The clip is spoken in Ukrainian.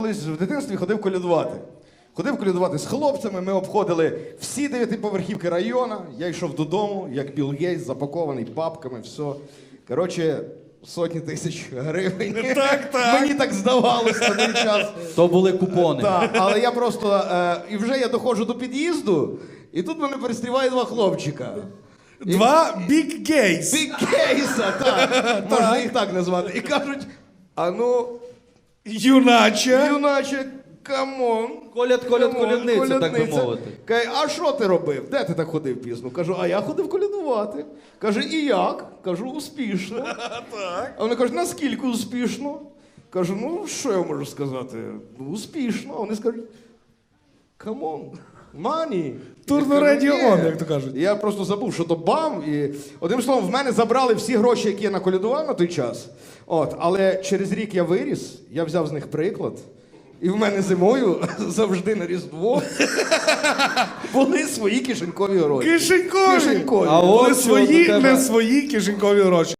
Колись в дитинстві ходив колядувати. Ходив колядувати з хлопцями, ми обходили всі 9-поверхівки району. Я йшов додому, як Білл Гейтс, запакований папками, все. Коротше, сотні тисяч гривень. Мені так здавалося на той час. То були купони. Так, але я просто... і вже я доходжу до під'їзду, і тут мене перестріває два хлопчика. Два Big Gays. Big Кейса, так. Можна їх так назвати. І кажуть, а ну, юначе, камон. Колядниця, так би мовити. Каже, а що ти робив? Де ти так ходив пізно? Кажу, а я ходив колядувати. Каже, і як? Кажу, успішно. Так. А вони кажуть, наскільки успішно? Кажу, ну, що я можу сказати? Ну, успішно. А вони скажуть, камон, мані. Турно радіо он, як то кажуть. Я просто забув, що то бам. І одним словом, в мене забрали всі гроші, які я наколядував на той час. От, але через рік я виріс, я взяв з них приклад. І в мене зимою завжди на Різдво були свої кишенькові гроші. Кишенькові. Кишенькові. А Були от свої, чого до тебе- не свої кишенькові гроші.